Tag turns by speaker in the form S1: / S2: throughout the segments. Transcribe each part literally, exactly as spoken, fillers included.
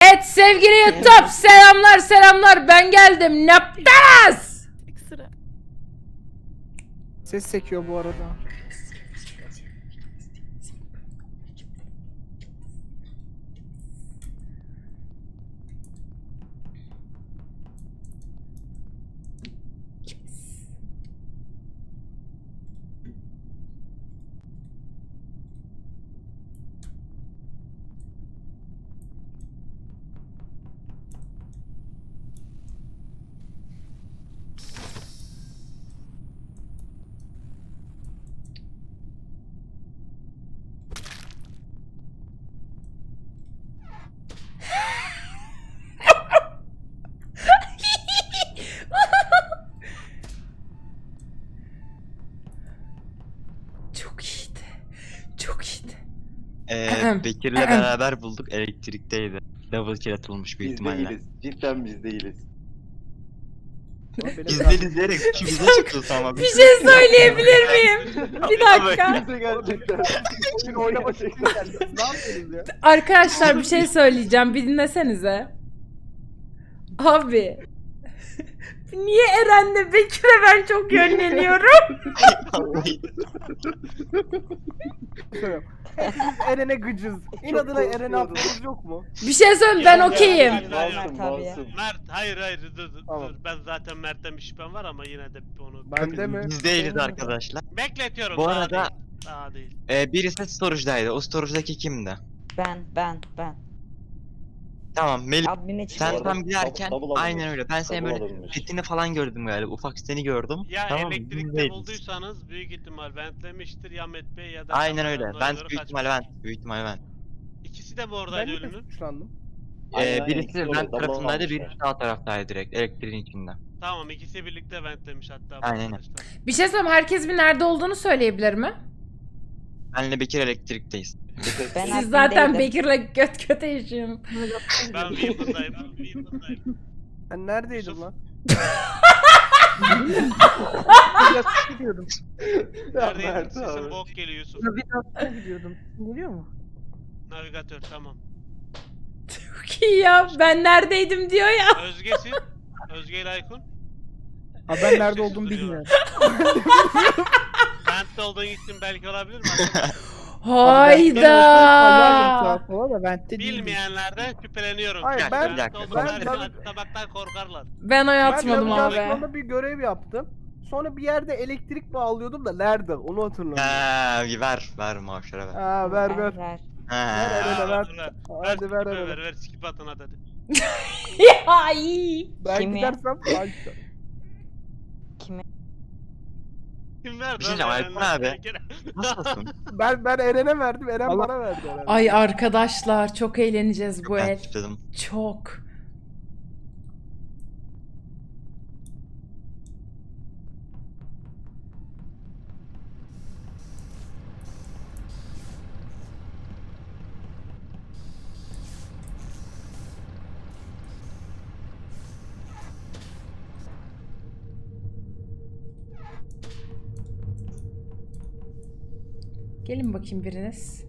S1: Evet sevgili YouTube selamlar selamlar ben geldim. Ne yaptınız?
S2: Sıra.
S3: Ses sekiyor bu arada.
S4: Çok iyiydi. Çok iyiydi.
S5: Ee, Bekir'le beraber bulduk, elektrikteydi. Double kill atılmış büyük
S6: Biz
S5: ihtimalle.
S6: değiliz. Cidden biz değiliz.
S3: Ama benim
S5: İzleri izleyerek ikimize çıktı ama.
S1: Bir şey söyleyebilir miyim? Bir dakika.
S6: Bize gerçekten.
S3: Bugün oynamak için geldim. Ne yapıyorsunuz ya?
S1: Arkadaşlar bir şey söyleyeceğim. Bir dinlesenize. Abi. Niye Eren'le Bekir'e ben çok yönleniyorum?
S3: Söylüyorum. Hepimiz Eren'e gıcız. İnadına Eren'e atmamız yok mu?
S1: Bir şey söyleyeyim ben okeyim.
S6: Masum masum.
S7: Mert hayır hayır dur dur,
S3: Tamam.
S7: dur. Ben zaten Mert'ten bir şüphem var ama yine de onu
S3: Bende mi?
S5: Biz değiliz arkadaşlar.
S7: bekletiyorum.
S5: Bu
S7: daha
S5: arada-
S7: değil. Daha değil.
S5: Ee, birisi storage'daydı. O storage'daki kimdi?
S2: Ben, ben, ben.
S5: Tamam, Melih.
S2: Admin'e
S5: Sen
S2: çıkıyorum.
S5: tam giderken
S6: double alınmış.
S5: aynen öyle. Ben senin
S6: Double
S5: böyle
S6: alınmış.
S5: petini falan gördüm galiba. Ufak seni gördüm.
S7: Ya
S5: tamam, biz
S7: elektrikte
S5: değiliz.
S7: bulduysanız büyük ihtimal ventlemiştir ya Met Bey ya da
S5: Aynen öyle.
S7: kameradan
S5: Ben
S7: doğru
S5: büyük ihtimalle
S7: kaçmıştır.
S5: ben. Büyük ihtimalle ben.
S7: İkisi de bu
S3: Ben
S7: oradaydı
S3: de
S7: ölünün.
S3: suçlandım.
S5: Ee,
S6: Aynen,
S5: birisi
S6: ikisi öyle,
S5: vent
S6: double
S5: tarafındaydı,
S6: almışlar.
S5: birisi sağ taraftaydı direkt. Elektriğin içinde.
S7: Tamam ikisi birlikte ventlemiş hatta. bu
S5: Aynen.
S7: arkadaşlar.
S1: Bir şey söyleyeyim. Herkes bir nerede olduğunu söyleyebilir mi?
S5: Benle Bekir elektrikteyiz.
S2: Ben
S1: Siz zaten
S2: admindeydim.
S1: Bekir'le göt göte yaşıyorsunuz.
S7: Ben Weaver'dayım. Ben Weaver'dayım.
S3: Ben neredeydim
S7: Yusuf.
S3: lan?
S8: Biraz gidiyordum.
S7: Neredeydin?
S6: Mert
S7: Sesin
S6: abi.
S7: bok geliyor Yusuf.
S8: Navigasyona gidiyordum. Geliyor mu?
S7: Navigatör tamam.
S1: Çok iyi ya. Ben neredeydim diyor ya.
S7: Özge'sin. Özge ile Aykun.
S3: Ha ben nerede
S7: Sessiz
S3: olduğumu
S7: duruyorlar.
S3: bilmiyorum.
S7: Vent'te olduğun gittin belki olabilir mi?
S1: Hayda.
S3: Falan da ben de değilim.
S7: Bilmeyenlerden şüpheleniyorum.
S3: Hayır,
S7: Yani
S5: ben-
S7: Vent'te
S5: ben-
S7: olduklarını
S3: ben-
S7: atlamaktan korkarlar.
S1: Ben oy
S3: Ben
S1: atmadım abi.
S3: navigasyonda bir görev yaptım. Sonra bir yerde elektrik bağlıyordum da nerede? Onu hatırlamıyorum.
S5: Ha, ver, ver maaşlara ver.
S3: Ha ver ver.
S2: ver.
S5: Ha.
S3: Ver, Eren'e ver.
S7: Ver, ver,
S3: Hadi ver
S7: ver,
S3: Eren'e.
S7: ver, ver, skip atın hadi. hadi.
S1: Ya iyi.
S3: Ben
S2: Kimi?
S3: gidersem ben
S2: Kime?
S7: Kim verdi?
S5: Bir şey
S7: lan
S5: diyeceğim,
S7: Eren'den?
S5: Aykun abi.
S7: Gene-
S5: Nasılsın?
S3: ben, ben Eren'e verdim. Eren bana verdi herhalde.
S1: Ay arkadaşlar çok eğleneceğiz bu
S5: Ben
S1: el.
S5: tutuyorum.
S1: Çok. Gelin bakayım biriniz.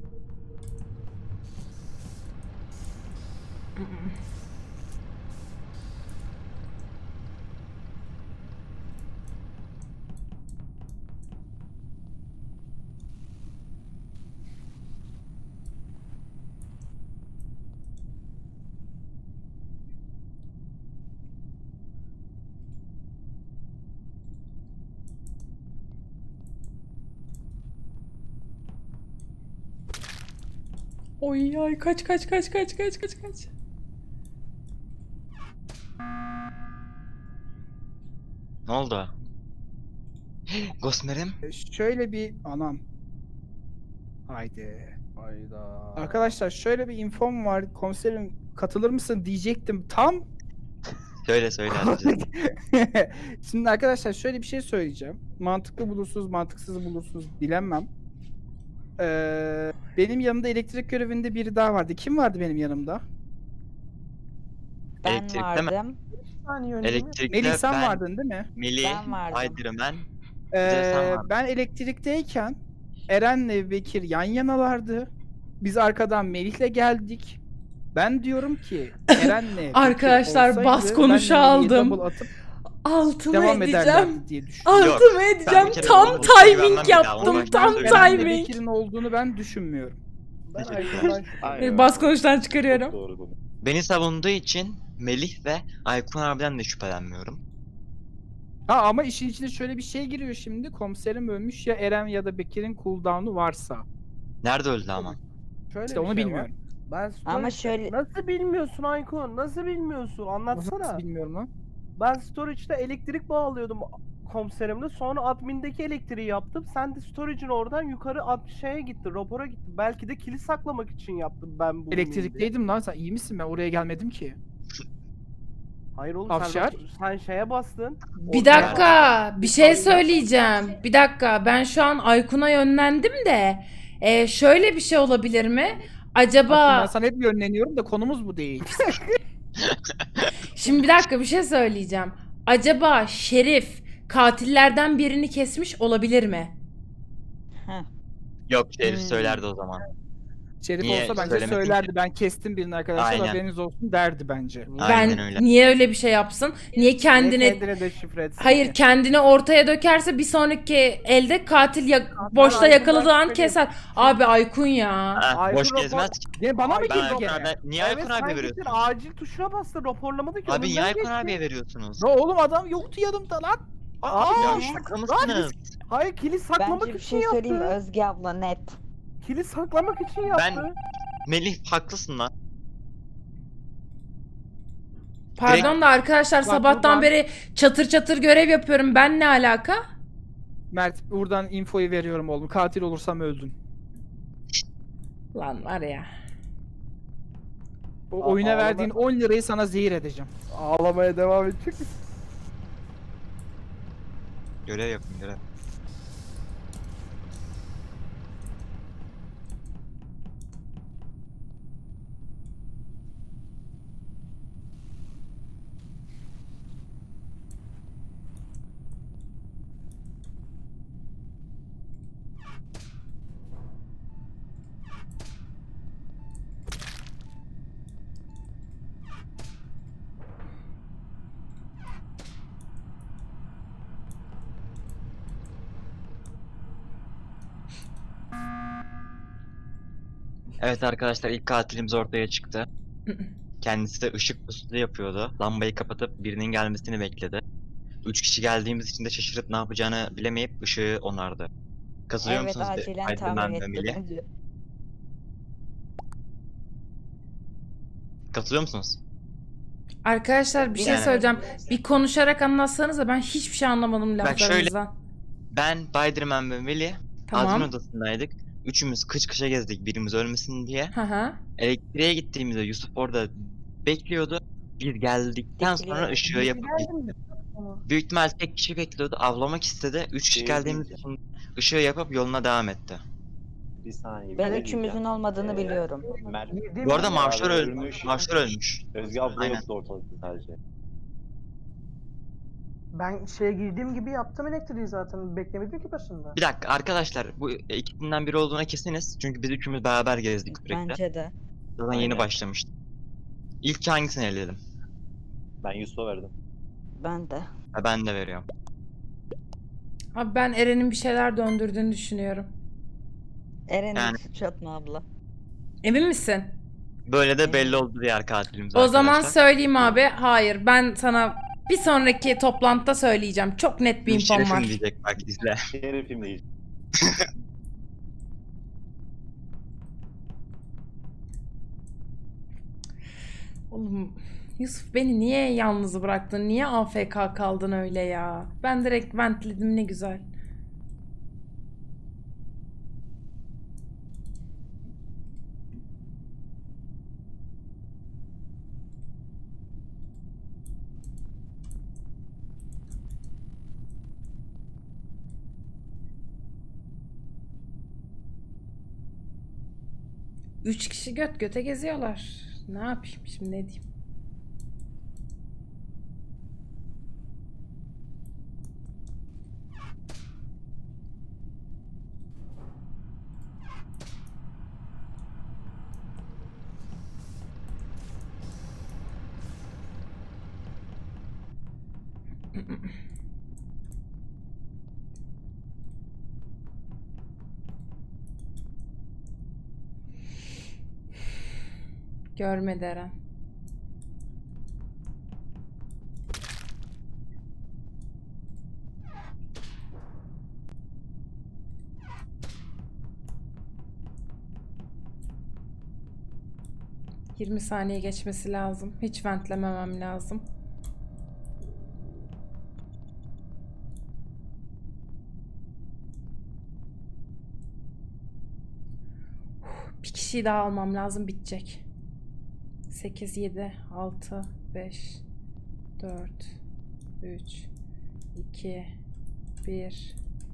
S1: Oy ay kaç kaç kaç kaç kaç kaç kaç.
S5: Ne oldu? Gosmer'im?
S8: E, Şöyle bir anam. Haydi.
S3: Hayda.
S8: Arkadaşlar şöyle bir infom var. Komiserim katılır mısın diyecektim tam.
S5: Söyle söyle hadi.
S8: Şimdi arkadaşlar şöyle bir şey söyleyeceğim. Mantıklı bulursunuz, mantıksız bulursunuz bilemem. Ee, benim yanımda elektrik görevinde biri daha vardı. Kim vardı benim yanımda?
S2: Ben
S5: Elektrikte mi?
S2: vardım.
S5: Elektrikte
S8: Melih sen
S5: ben,
S8: vardın değil mi?
S5: Melih,
S2: Ben vardım.
S5: Aydır'ım ben. de sen
S8: Ee,
S5: vardın.
S8: ben elektrikteyken Eren'le Bekir yan yanalardı. Biz arkadan Melih'le geldik. Ben diyorum ki Eren'le Bekir
S1: Arkadaşlar,
S8: olsaydı
S1: bas
S8: ben
S1: konuşu
S8: Melih'i
S1: aldım.
S8: double atıp
S1: Altıma
S8: devam
S1: edeceğim.
S8: ederlerdi diye düşünüyorum.
S5: Yok,
S1: Altıma
S5: ben
S1: edeceğim.
S5: bir kere
S1: Tam
S5: bunu buluşa güvenmem
S1: timing
S5: bir daha,
S1: yaptım.
S5: onu
S1: Tam
S5: ben
S8: Eren'le
S1: timing.
S8: Bekir'in olduğunu ben düşünmüyorum.
S3: Ben
S5: Teşekkür
S3: Aykun'dan
S6: Aynen.
S1: Ee, Bas konuştan çıkarıyorum.
S6: Çok doğru konu.
S5: Beni savunduğu için Melih ve Aykun abiden de şüphelenmiyorum.
S8: Ha ama işin içine şöyle bir şey giriyor şimdi. Komiserim ölmüş ya Eren ya da Bekir'in cooldown'u varsa.
S5: Nerede öldü ama?
S3: şöyle
S8: İşte
S3: bir
S8: onu
S3: şey
S8: bilmiyorum.
S3: var. Ben
S2: Ama
S3: storage'de-
S2: şöyle-
S3: Nasıl bilmiyorsun Aykun? Nasıl bilmiyorsun?
S8: Nasıl,
S3: Anlatsana.
S8: nasıl bilmiyorum lan.
S3: Ben storage'da elektrik bağlıyordum komiserimle. Sonra admindeki elektriği yaptım. Sen de storage'in oradan yukarı at şeye gitti, rapora gitti. Belki de kilit saklamak için yaptım ben bu.
S8: Elektrikteydim lan, sen iyi misin? Ben oraya gelmedim ki.
S3: Hayır oğlum
S8: Afşar.
S3: sen, sen şeye bastın.
S1: Bir dakika, bir şey söyleyeceğim. Bir dakika, ben şu an Aykun'a yönlendim de e, şöyle bir şey olabilir mi?
S8: Bak,
S1: Acaba
S8: ben sana hep yönleniyorum da konumuz bu değil.
S1: şimdi bir dakika bir şey söyleyeceğim. Acaba Şerif katillerden birini kesmiş olabilir mi?
S2: Heh.
S5: Yok, Şerif
S8: Hmm.
S5: söylerdi o zaman.
S8: Şerif
S5: Niye
S8: olsa bence
S5: söylemedin
S8: söylerdi.
S5: ki?
S8: Ben kestim birini arkadaşlar,
S5: Aynen.
S8: haberiniz olsun derdi bence.
S5: Aynen
S1: Ben
S5: öyle.
S1: niye öyle bir şey yapsın? Niye kendini
S3: Niye kendine de şifre etsin
S1: Hayır,
S3: ki?
S1: kendini ortaya dökerse bir sonraki elde katil ya- boşta
S3: Aykun'dan
S1: yakaladığı an
S3: şüpheliyim.
S1: keser. Abi Aykun ya.
S5: Ha,
S3: Aykun
S5: boş
S3: rapor-
S5: gezmez ki.
S8: Ne bana mı
S3: Ay,
S5: Ben
S8: girdi
S5: Aykun
S8: gene?
S5: abi, niye
S3: Evet,
S5: Aykun
S3: sen
S5: abiye
S3: gittin,
S5: veriyorsun?
S3: acil tuşuna bastın, raporlamadı ki.
S5: Abi niye
S3: önünden
S5: Aykun
S3: geçti.
S5: abiye veriyorsunuz?
S8: Ya oğlum adam yoktu yanımda lan.
S3: Aa,
S5: Ya
S2: Aa,
S5: şaka mısınız?
S3: hayır, kilit saklamak
S2: Bence bir
S3: için
S2: şey
S3: yaptı.
S2: söyleyeyim mi? Özge abla net.
S3: Kilit saklamak için yaptı.
S5: Ben- Melih haklısın lan.
S1: Pardon da arkadaşlar,
S8: Bak,
S1: sabahtan
S8: buradan-
S1: beri çatır çatır görev yapıyorum. Ben ne alaka?
S8: Mert, buradan infoyu veriyorum oğlum. Katil olursam öldün.
S1: Lan var ya.
S8: O
S3: Aa,
S8: oyuna
S3: ağlama.
S8: verdiğin on lirayı sana zehir edeceğim.
S3: Ağlamaya devam edecek.
S5: Görev yapın görev. Evet arkadaşlar, ilk katilimiz ortaya çıktı. Kendisi de ışık pususu yapıyordu. Lambayı kapatıp birinin gelmesini bekledi. Üç kişi geldiğimiz için de şaşırıp ne yapacağını bilemeyip ışığı onardı. Katılıyor
S2: Evet,
S5: musunuz?
S2: acilen
S5: Aydınlan
S2: tahmin
S5: ve
S2: etti
S5: Melih?
S2: bence.
S5: Katılıyor musunuz?
S1: Arkadaşlar bir şey
S5: Yani-
S1: söyleyeceğim. Bir konuşarak anlatsanız da ben hiçbir şey anlamadım
S5: Bak şöyle-
S1: laflarınızdan.
S5: Ben, Spiderman ve Melih admin
S1: Tamam.
S5: odasındaydık. Üçümüz kıç kışa gezdik birimiz ölmesin diye.
S1: Hı hı.
S5: Elektriğe gittiğimizde Yusuf orada bekliyordu. Biz geldikten sonra
S2: Bekliyor.
S5: ışığı yapıp büyük ihtimal tek kişi bekliyordu. Avlamak istedi. Üç kişi
S6: Şey
S5: geldiğimiz
S6: diyeceğim.
S5: için ışığı yapıp yoluna devam etti.
S6: Bir saniye. bir
S2: Ben
S6: şey
S2: üçümüzün
S6: diyeceğim.
S2: olmadığını
S6: Ee,
S2: biliyorum.
S6: Mer-
S5: Bu arada
S6: Abi
S5: Mavşar öl
S6: ölmüş.
S5: Mavşar ölmüş.
S6: Özge abla
S5: Aynen.
S6: yoktu ortalıkta sadece.
S9: Ben şeye girdiğim gibi yaptım elektriği zaten. Beklemedim ki başında.
S5: Bir dakika arkadaşlar, bu ikisinden biri olduğuna kesiniz. Çünkü biz üçümüz beraber gezdik sürekli.
S2: Bence de.
S5: Zaten yeni
S6: Aynen.
S5: başlamıştık. İlk hangisini eledim?
S6: Ben Yusuf'a verdim.
S2: Ben de.
S5: Ha, ben de veriyorum.
S1: Abi ben Eren'in bir şeyler döndürdüğünü düşünüyorum.
S2: Eren'in
S5: Yani-
S2: suç atma abla.
S1: Emin misin?
S5: Böyle de belli oldu diğer katilimiz
S1: O zaman
S5: arkadaşlar.
S1: söyleyeyim abi. Hayır, ben sana bir sonraki toplantıda söyleyeceğim. Çok net bir
S5: Bu
S1: infom
S5: şerefim
S1: var.
S5: diyecek bak, izle.
S6: Şerefim değil.
S1: Oğlum Yusuf, beni niye yalnız bıraktın? Niye A F K kaldın öyle ya? Ben direkt ventledim, ne güzel. Üç kişi göt göte geziyorlar. Ne yapayım şimdi, ne diyeyim? Görmedi Eren. yirmi saniye geçmesi lazım. Hiç ventlememem lazım. Bir kişiyi daha almam lazım, bitecek. sekiz, yedi, altı, beş, dört, üç, iki, bir.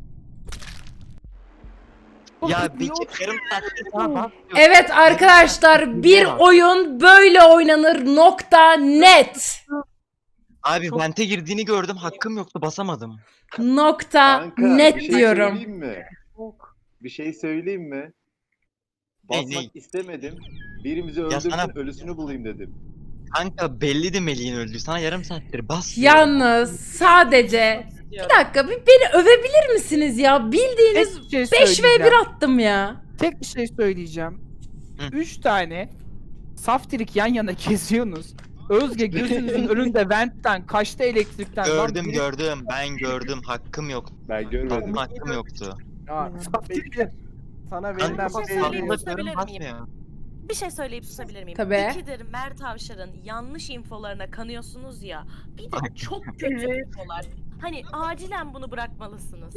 S5: Ya Bekir yarım saattir sana bahsediyorum.
S1: Evet arkadaşlar, bir oyun böyle oynanır nokta net.
S5: Abi vente girdiğini gördüm, hakkım yoktu, basamadım.
S1: Nokta
S6: Kanka,
S1: net
S6: bir şey
S1: diyorum.
S6: söyleyeyim mi? Bir şey söyleyeyim mi?
S5: Ne,
S6: Basmak
S5: ne?
S6: istemedim. Birimizi
S5: Ya
S6: öldürsün,
S5: sana-
S6: ölüsünü bulayım dedim.
S5: Kanka belliydi Melih'in öldüğü. Sana yarım saattir bas diyorum.
S1: Yalnız sadece bir dakika, bir beni övebilir misiniz ya? Bildiğiniz
S8: Tek bir şey
S1: beş ve bir
S8: söyleyeceğim.
S1: attım ya.
S8: Tek bir şey söyleyeceğim.
S5: Hı.
S8: Üç tane saftirik yan yana geziyorsunuz. Özge gözünüzün önünde ventten kaçtı elektrikten. Lan
S5: Gördüm
S8: biri-
S5: gördüm, ben gördüm, hakkım yok.
S6: Ben görmedim.
S5: Benim hakkım yoktu.
S3: Ya,
S8: Saftirik.
S3: Bekir. Sana verilen
S5: Kanka
S3: bir
S10: şey
S3: şey
S10: söyleyeyim mi?
S3: değil.
S10: Susabilir miyim?
S5: basmıyor.
S10: Bir şey söyleyip susabilir miyim?
S1: Tabii.
S10: İkidir Mert Avşar'ın yanlış infolarına kanıyorsunuz ya. Bir de çok kötü infolar. Hani acilen bunu bırakmalısınız.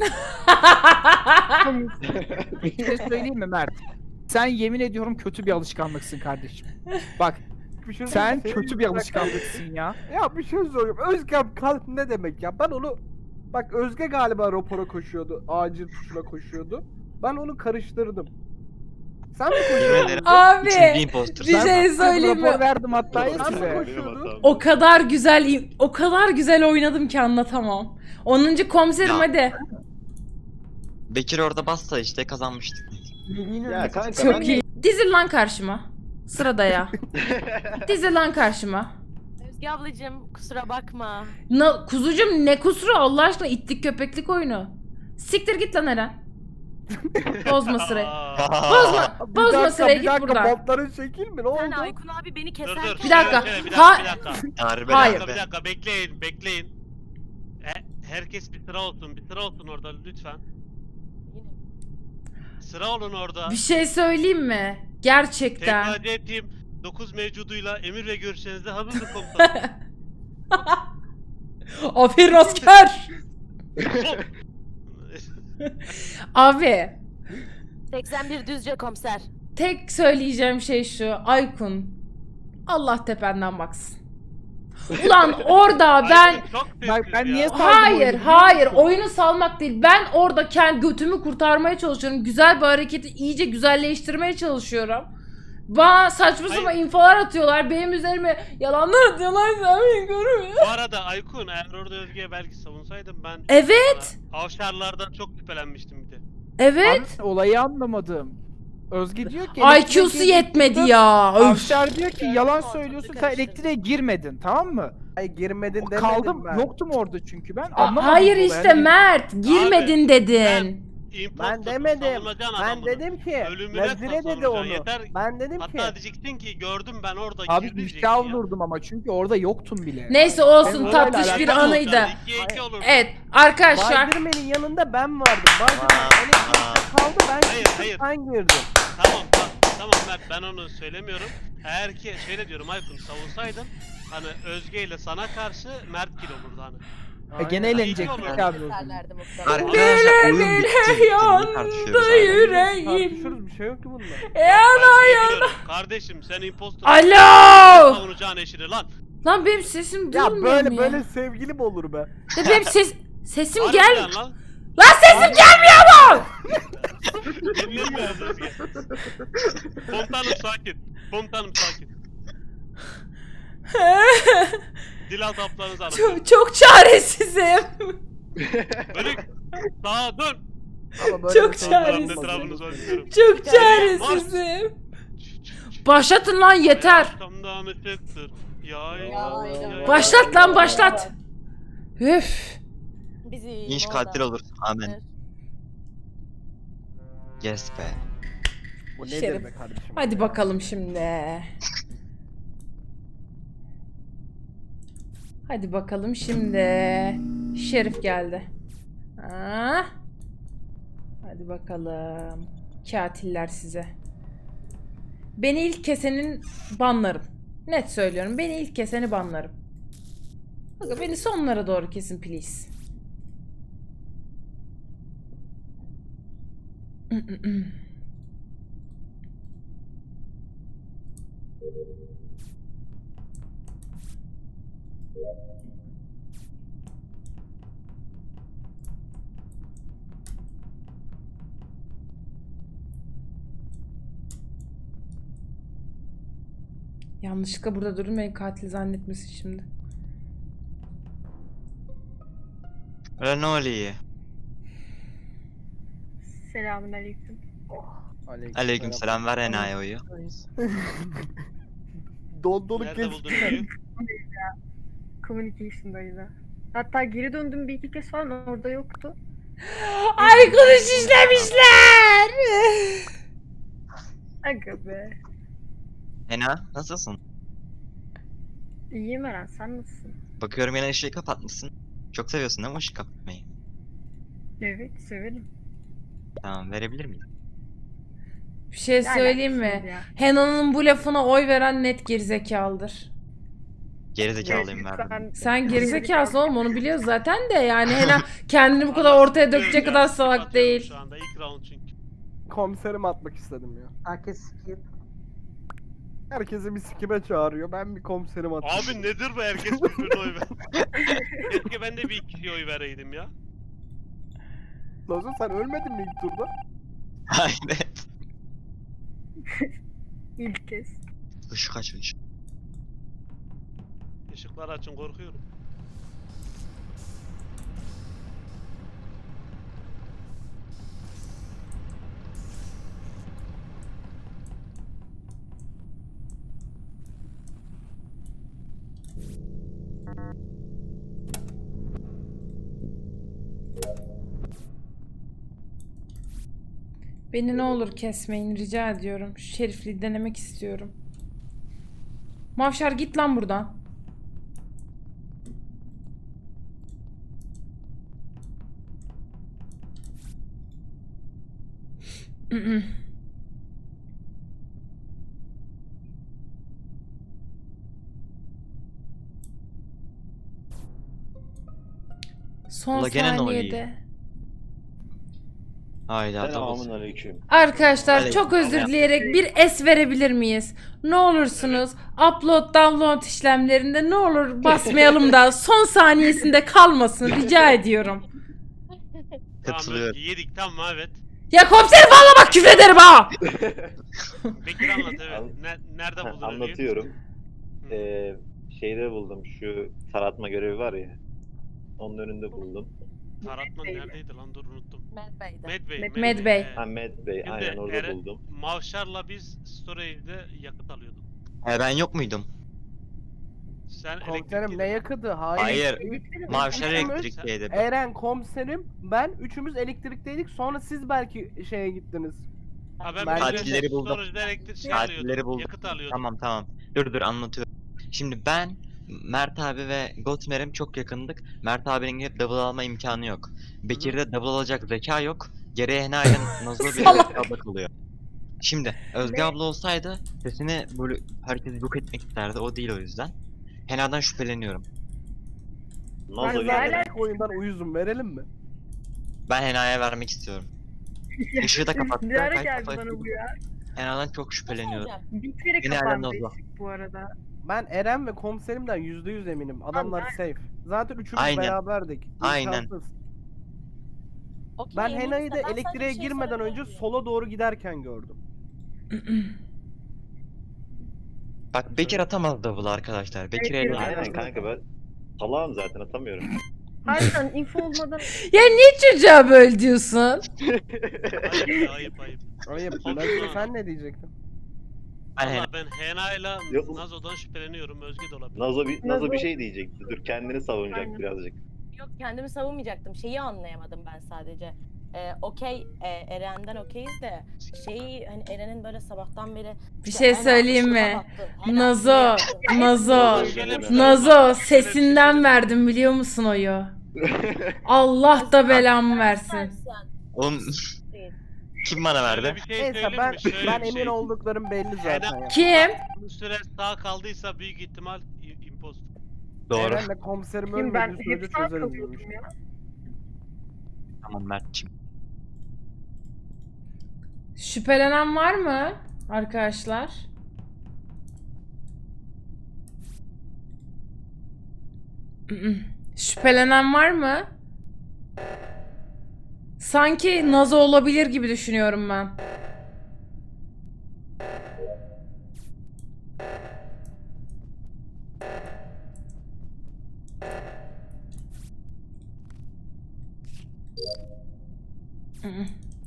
S8: Bir şey söyleyeyim mi Mert? Sen yemin ediyorum kötü bir alışkanlıksın kardeşim. Bak
S3: Bir şey
S8: sen
S3: söyleyeyim,
S8: kötü
S3: senin
S8: bir
S3: bırak-
S8: alışkanlıksın ya.
S3: Ya bir şey söyleyeyim. Özge kalp ne demek ya? Ben onu... Bak Özge galiba rapora koşuyordu. Acil tuşuna koşuyordu. Ben onu karıştırdım. Sen mi
S5: Yemin
S3: koşuyordun?
S5: ederim.
S1: Abi
S5: Üçüncü imposter.
S1: bir
S5: sen.
S1: şey söyleyeyim
S8: Rapor
S1: mi?
S8: verdim hatta ya
S3: Sen mi
S8: size.
S3: koşuyordun?
S1: O kadar güzel o kadar güzel oynadım ki anlatamam. onuncu komiserim
S5: Ya.
S1: hadi.
S5: Bekir orada bassa işte kazanmıştık.
S6: Ya kanka
S1: Çok
S6: ben
S1: iyi. Dizil lan karşıma. Sırada ya. Dizil lan karşıma.
S10: Özge ablacığım kusura bakma.
S1: Na, kuzucum ne kusuru Allah aşkına, ittik köpeklik oyunu. Siktir git lan Eren. Bozma sırayı.
S7: Aa,
S1: Bozma,
S3: Bir
S1: bozma
S3: dakika,
S1: sırayı
S3: bir
S1: git
S3: dakika,
S1: buradan.
S3: botların şekil mi? Ne oldu?
S10: Sen Aykun abi beni
S7: Dur
S10: keserken...
S7: dur.
S1: Bir dakika.
S7: Şöyle, şöyle, bir
S1: Ha-
S7: dakika, bir dakika.
S5: Harbi
S7: Bir
S1: Hayır.
S7: dakika, bir
S5: be.
S7: dakika, bekleyin, bekleyin. He- herkes bir sıra olsun, bir sıra olsun orada lütfen. Sıra olun orada.
S1: Bir şey söyleyeyim mi? Gerçekten.
S7: Tekrar ettiğim dokuz mevcuduyla emir ve görüşlerinize hazırdır komutanım.
S1: Aferin asker. Abi
S10: seksen bir Düzce komiser.
S1: tek söyleyeceğim şey şu. Aykun, Allah tependen baksın. Ulan orada ben...
S7: Aykın çok
S8: Bak,
S7: sessiz
S8: ben
S7: ya.
S8: niye- Saldım
S1: Hayır,
S8: oyunu, biliyor
S1: hayır.
S8: musun?
S1: Oyunu salmak değil. Ben orada kendi götümü kurtarmaya çalışıyorum. Güzel bir hareketi iyice güzelleştirmeye çalışıyorum. Bana saçma
S7: Hayır.
S1: sapan infolar atıyorlar. Benim üzerime yalanlar atıyorlar. Sen beni görmüyor.
S7: Bu arada Aykun, eğer orada Özge'ye belki savunsaydım ben...
S1: Evet.
S7: Sana Avşarlardan çok şüphelenmiştim bir de.
S1: Evet.
S8: Abi, olayı anlamadım. Özge diyor ki...
S1: I Q'su
S8: elektriğe
S1: yetmedi
S8: girdim.
S1: ya. Öf.
S8: Avşar diyor ki yalan
S10: Ortalığı
S8: söylüyorsun, sen
S10: karıştırdın.
S8: elektriğe girmedin, tamam mı?
S3: Ay girmedin demedim
S8: Kaldım,
S3: ben.
S8: yoktum orada çünkü ben.
S1: A-
S8: Anlamadım
S1: Hayır
S8: olayı.
S1: işte
S8: Hani-
S1: Mert. Girmedin dedin.
S7: İmposter
S3: Ben demedim.
S7: savunacaksın
S3: Ben
S7: adamını.
S3: dedim ki
S7: Ölümüne
S3: Nazire dedi
S7: savunacaksın,
S3: onu.
S7: yeter.
S3: Ben dedim ki
S7: Hatta diyeceksin ki gördüm ben orada
S8: Abi
S7: girdi diyeceksin
S8: ifşa
S7: ya.
S8: vurdum ama çünkü orada yoktum bile.
S1: Neyse olsun,
S8: Benim
S1: tatlış
S8: olayla
S1: bir
S8: alakalı
S1: anıydı.
S7: ikiye iki olur.
S1: Evet arkadaşlar.
S3: Spiderman'in yanında ben vardım. Spiderman
S5: Aa,
S3: elektrikte kaldı, ben
S7: Hayır,
S3: çıktım,
S7: hayır.
S3: sen girdin.
S7: Tamam tamam tamam Mert, ben onu söylemiyorum. Eğer ki şöyle diyorum Aykun, savunsaydın hani Özge ile sana karşı Mert kill olurdu hani.
S8: E, gene
S3: Aynen.
S8: eğlenecektik
S7: İyi olur.
S8: abi o zaman.
S10: Keserlerdi muhtemelen.
S5: Arkadaşlar oyun bitti. Bitti,
S1: yandı
S5: tartışıyoruz hala.
S1: yüreğim.
S3: Tartışıyoruz, bir şey yok ki bunda.
S1: Ya
S7: Ben şey biliyorum, kardeşim sen impostor.
S1: Alo.
S7: Savunacağın eşini lan.
S1: Lan benim sesim
S3: Ya
S1: duyulmuyor
S3: böyle
S1: mu ya?
S3: böyle sevgili mi olur be?
S1: Ya benim ses sesim
S7: Harbiden
S1: gel.
S7: Lan.
S1: Lan sesim gelmiyor mu?
S7: Dinlemiyoruz Özge. Komutanım sakin. Komutanım sakin. Dil azaplarınızı anlatıyorum.
S1: çok, çok çaresizim.
S7: Bölük. Sağa dön.
S3: Ama böyle
S1: Çok
S3: bir şey
S1: çaresiz.
S3: olmaz.
S7: Etrafınızı bakıyorum.
S1: Çok çaresizim. Başlatın lan yeter.
S7: Arkamdan ışıktır. Yay,
S10: Yay,
S7: yay,
S10: yay.
S1: Başlat lan başlat. Üf.
S10: Bizim
S5: İnş
S10: orada.
S5: katil olur. Amen.
S10: Evet.
S5: Yes be.
S3: Bu
S1: Şerif.
S3: nedir be kardeşim?
S1: Hadi
S3: ya?
S1: bakalım şimdi. Hadi bakalım şimdi. Şerif geldi. Ha? Hadi bakalım. Katiller size. Beni ilk kesenin banlarım. Net söylüyorum. Beni ilk keseni banlarım. Bakın beni sonlara doğru kesin please. Yanlışlıkla burada durun beni katil zannetmesin şimdi.
S5: Öyle ne oluyor?
S9: Selamünaleyküm.
S5: Aleyküm selam, ver enayi oyu.
S3: Dondoluk
S7: Nerede
S3: geçti.
S7: buldun Öykü?
S9: Communication'dayız ha. Hatta geri döndüm bir iki kez falan orada yoktu.
S1: Ay kuruş işlemişler.
S9: Aga be.
S5: Ena, nasılsın?
S9: İyiyim Eren, sen nasılsın?
S5: Bakıyorum yine ışığı kapatmışsın. Çok seviyorsun değil mi ışık kapatmayı?
S9: Evet, severim.
S5: Tamam, verebilir miyim?
S1: Bir şey
S9: Ne
S1: söyleyeyim
S9: alakası
S1: mi?
S9: var ya?
S1: Hena'nın bu lafına oy veren net gerizekalıdır.
S5: Gerizekalıyım verdim.
S9: Ben-
S1: Sen gerizekalısın oğlum, onu biliyoruz zaten de yani Hena kendini bu kadar ortaya dökecek kadar salak
S7: Atıyorum
S1: değil.
S7: Şu anda ilk round çünkü.
S3: Komiserim atmak istedim ya.
S9: Herkes skip.
S3: Herkesi bir sikime çağırıyor. Ben bir komiserim atayım.
S7: Abi nedir bu, herkes birbirine oy ver. Keşke ben de bir iki oy vereydim ya.
S3: Lazo sen ölmedin mi ilk turda?
S5: Aynen.
S9: İlk kez.
S5: Işık aç ışık.
S7: Işıkları açın, korkuyorum.
S1: Beni ne olur kesmeyin rica ediyorum. Şu şerifliği denemek istiyorum. Mavşar git lan buradan. Son
S5: Ula gene ne oluyor?
S1: saniyede.
S5: Hayda,
S6: Selamun
S5: double.
S6: aleyküm.
S1: Arkadaşlar
S5: Aleyküm
S1: çok özür
S5: selam.
S1: dileyerek bir es verebilir miyiz? Ne olursunuz upload download işlemlerinde ne olur basmayalım da son saniyesinde kalmasın rica ediyorum.
S7: Tamam
S5: Katılıyorum.
S7: Özgü, yedik tamam evet.
S1: Ya komiserim valla bak küfrederim ha.
S7: Bekir anlat evet.
S6: An-
S7: Ne- nerede
S6: Ha,
S7: buldun Özgü'yü?
S6: Anlatıyorum.
S7: Hı.
S6: Ee, şeyde buldum, şu taratma görevi var ya. Onun önünde buldum.
S7: Taratman neredeydi lan, dur unuttum.
S10: Mad Bey'de.
S7: Medbey.
S1: Med- Medbey.
S6: Ha Med Bey,
S7: Şimdi
S6: aynen orada
S7: Eren-
S6: buldum.
S7: Mavşar'la biz storage'de yakıt alıyorduk.
S5: He, ben yok muydum?
S7: Sen
S3: Komiserim
S7: elektrikliydin.
S3: ne yakıdı? Hayır.
S5: Hayır.
S3: Elektrikli-
S5: Mavşar
S3: Üçümüz-
S5: elektrikteydi.
S3: Eren komiserim, ben üçümüz elektrikteydik. Sonra siz belki şeye gittiniz.
S7: Ha ben
S3: Ben-
S7: böyle
S5: Katilleri buldum.
S7: storage'da elektrik şey
S5: Katilleri
S7: alıyordum.
S5: buldum.
S7: Yakıt alıyordum.
S5: Tamam tamam. Dur dur anlatıyorum. Şimdi ben, Mert abi ve Gotmer'im çok yakındık. Mert abinin gidip double alma imkanı yok. Bekir'de double alacak zeka yok. Geriye Hena ile Nazlı bir
S1: Salak.
S5: abla kalıyor. Şimdi Özge abla olsaydı sesini böyle herkesi yok etmek isterdi. O değil o yüzden. Hena'dan şüpheleniyorum.
S3: Ben
S6: Nazo
S3: zaten
S6: geldi.
S3: ilk oyundan uyuzum, verelim mi?
S5: Ben Hena'ya vermek istiyorum. Işığı da kapattı.
S9: Ne ara
S5: Kaç
S9: geldi
S5: defa
S9: bana
S5: yaptı.
S9: bu ya?
S5: Hena'dan çok şüpheleniyorum.
S9: Bir kere
S5: Yine
S9: kapandı
S5: Eren Nazlı.
S9: ışık bu arada.
S3: Ben Eren ve komiserimden yüzde yüz eminim. Adamlar safe. Zaten üçümüz
S5: Aynen.
S3: beraberdik.
S5: Aynen.
S3: İmkansız.
S10: Okey,
S3: Ben
S10: eminiz
S3: Hena'yı
S10: de
S3: da
S10: ben sadece
S3: elektriğe
S10: bir şey
S3: girmeden
S10: sorabilir
S3: önce
S10: miyim?
S3: sola doğru giderken gördüm.
S5: Bak Bekir atamaz double arkadaşlar. Bekir
S9: Evet,
S5: elle.
S6: Aynen kanka, ben salağım zaten, atamıyorum.
S9: Harbiden info olmadan
S1: Ya niye çocuğa böyle diyorsun?
S7: Ayıp ayıp ayıp.
S3: Ayıp.
S7: Olsun
S3: Nazo,
S7: ha.
S3: sen ne diyecektin?
S5: Ben Hena.
S7: Valla ben Hena'yla
S6: Yok.
S7: Nazo'dan şüpheleniyorum. Özge de olabilir.
S6: Nazo bir, Nazo
S9: Nazo-
S6: bir şey diyecekti. Dur, kendini savunacak
S9: Aynen.
S6: birazcık.
S10: Yok kendimi savunmayacaktım. Şeyi anlayamadım ben sadece. Ee, okey e, Eren'den okeyiz de şeyi hani Eren'in böyle sabahtan beri
S1: Bir
S10: işte
S1: şey
S10: Ena
S1: söyleyeyim
S10: şunu
S1: mi?
S10: yaptın, Ena
S1: Nazo,
S10: bunu yaptın.
S1: Nazo,
S7: Şöyle bir şey
S1: Nazo
S7: var. Şöyle bir şey
S1: sesinden
S7: söyleyeyim.
S1: verdim biliyor musun oyu? Allah da belamı versin.
S10: Sen-
S5: Oğlum
S10: Değil.
S5: kim bana
S7: Şöyle
S5: verdi?
S7: bir şey
S3: Neyse
S7: söyleyeyim
S3: ben
S7: mi? Şöyle
S3: ben
S7: bir
S3: emin
S7: şey.
S3: olduklarım belli zaten ya.
S1: Kim?
S7: Bu süre sağ kaldıysa büyük ihtimal i- imposter.
S5: Doğru.
S3: Eren'le komiserim
S9: Kim ben
S3: ölmediği sürece
S9: hep sağ
S3: çözeriz bu
S9: kalıyordum
S3: işi.
S9: ya.
S5: Tamam Mert'ciğim.
S1: Şüphelenen var mı arkadaşlar? Mm-mm. Şüphelenen var mı? Sanki Nazo olabilir gibi düşünüyorum ben. Mm-mm.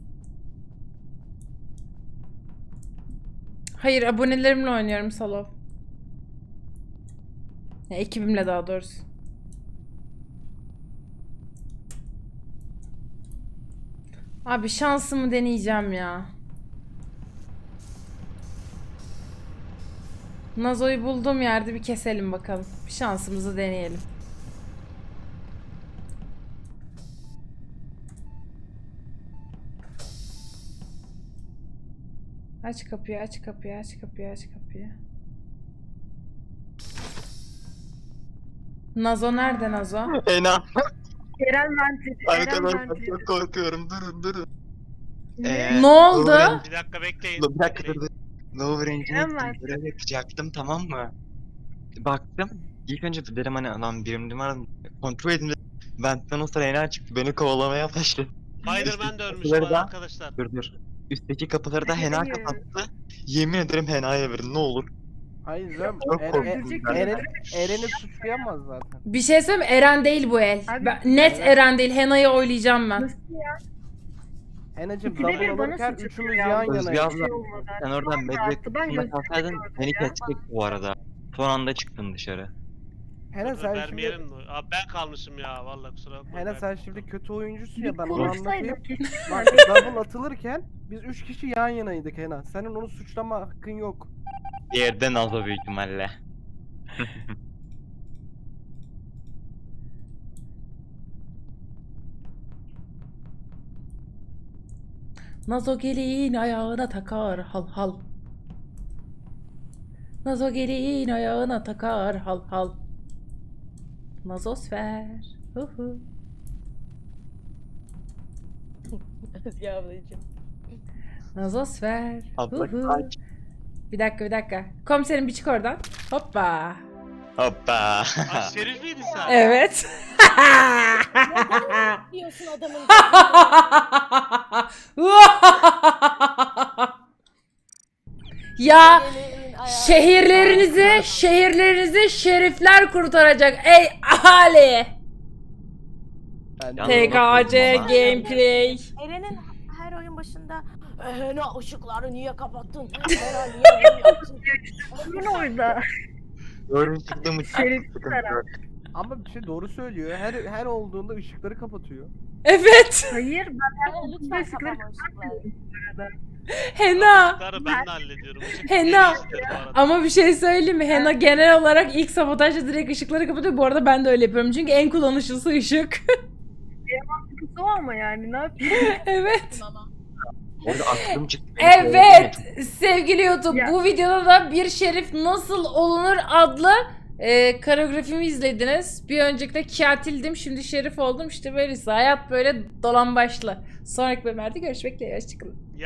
S1: Hayır, abonelerimle oynuyorum Salo. Ya, ekibimle daha doğrusu. Abi şansımı deneyeceğim ya. Nazo'yu bulduğum yerde bir keselim bakalım. Bir şansımızı deneyelim. Aç kapıyı, aç kapıyı, aç kapıyı, aç kapıyı. Nazo nerede Nazo?
S5: Ena.
S9: Eren ventili. Eren
S5: Arkadaşlar
S9: ventili.
S5: çok korkuyorum. Durun durun.
S9: Ne?
S5: Ee,
S1: Ne oldu?
S5: Lower-
S7: Bir dakika bekleyin.
S5: Bir dakika
S7: bekleyin.
S5: dur. dur. Lower Engine'e
S9: Hemen.
S5: gittim. Görev yapacaktım, tamam mı? Baktım. İlk önce dedim hani lan birim numaram kontrol edin dedim. Benden o sıra Ena çıktı. Beni kovalamaya başladı.
S7: Spider-Man de ölmüş
S5: Kapıları
S7: var
S5: da-
S7: arkadaşlar.
S5: Dur dur. Üstteki kapıları da Hena
S9: Hayır.
S5: kapattı. Yemin ederim Hena'ya verin ne olur.
S3: Hayır canım.
S5: Çok
S3: Eren,
S5: korktum ben.
S3: Eren, Eren'i suçlayamaz zaten.
S1: Bir şey söyleyeyim mi? Eren değil bu el.
S9: Abi-
S1: Ben- net
S3: Evet.
S1: Eren değil. Hena'yı oylayacağım ben.
S9: Nasıl ya?
S3: Enacım
S9: İkide bir
S3: double
S9: bana
S3: olurken
S9: suç
S3: üçümüz
S9: atıyor ya.
S3: yan
S5: Özge
S3: yanayız.
S5: abla,
S9: olmadı.
S5: sen oradan
S9: Çok
S5: medya
S9: rahattı. Ben
S5: kısmına
S9: gözümü
S5: kalsaydın
S9: gördüm
S5: beni
S9: ya.
S5: kesecek bu arada. Son anda çıktın dışarı.
S3: Hena
S7: Dur,
S3: sen şimdi
S7: vermeyelim mi? Abi ben kalmışım ya vallahi kusura bakma.
S3: Hena sen şimdi kötü oyuncusun ya
S9: Bir
S3: ben onu anlatayım.
S9: konuşsaydım kesin.
S3: Bak double atılırken biz üç kişi yan yanaydık Hena. Senin onu suçlama hakkın yok.
S5: Bir yerden Nazo büyük ihtimalle.
S1: Nazo gelin ayağına takar hal hal. Nazo gelin ayağına takar hal hal. Nazosfer. Hu hu.
S10: Özge ablacığım.
S1: Nazosfer.
S5: Abla
S1: Hu hu.
S5: kaç.
S1: Bir dakika bir dakika. Komiserim bir çık oradan. Hoppa.
S5: Hoppa.
S7: Aa, Şerif miydin sen?
S1: Evet.
S10: Diyorsun adamın.
S1: Ya
S10: Gelin ayağa-
S1: şehirlerinizi, şehirlerinizi şerifler kurtaracak. Ey ahali.
S3: Ben
S5: Yalnız
S1: T K C
S5: Ama-
S1: gameplay.
S10: Eren'in her oyun başında Ena ışıkları niye kapattın? Ena niye bunu yaptın?
S9: Onun orada.
S5: Doğru çıktığım için
S9: Şerif
S5: sıkıntı
S9: taraf.
S5: yok.
S3: Ama bir şey doğru söylüyor. Her her olduğunda ışıkları kapatıyor.
S1: Evet.
S9: Hayır ben
S10: Ena lütfen
S9: ışıkları
S10: kapama ışıkları.
S1: Hena.
S7: Işıkları ben de hallediyorum. Işık
S1: Hena.
S7: değil işte bu arada.
S1: Ama bir şey söyleyeyim mi? Hena genel olarak ilk sabotajda direkt ışıkları kapatıyor. Bu arada ben de öyle yapıyorum. Çünkü en kullanışlısı ışık.
S9: o ama yani ne yapayım?
S1: Evet.
S10: Ama
S5: Orada aklım çıktı. beni
S1: Evet. Sevgili YouTube,
S9: Ya.
S1: bu videoda da bir şerif nasıl olunur adlı e, koreografimi izlediniz. Bir önceki de katildim. Şimdi şerif oldum. İşte böylesi. Hayat böyle dolambaçlı. Sonraki bölümlerde görüşmek dileğiyle. Hoşçakalın.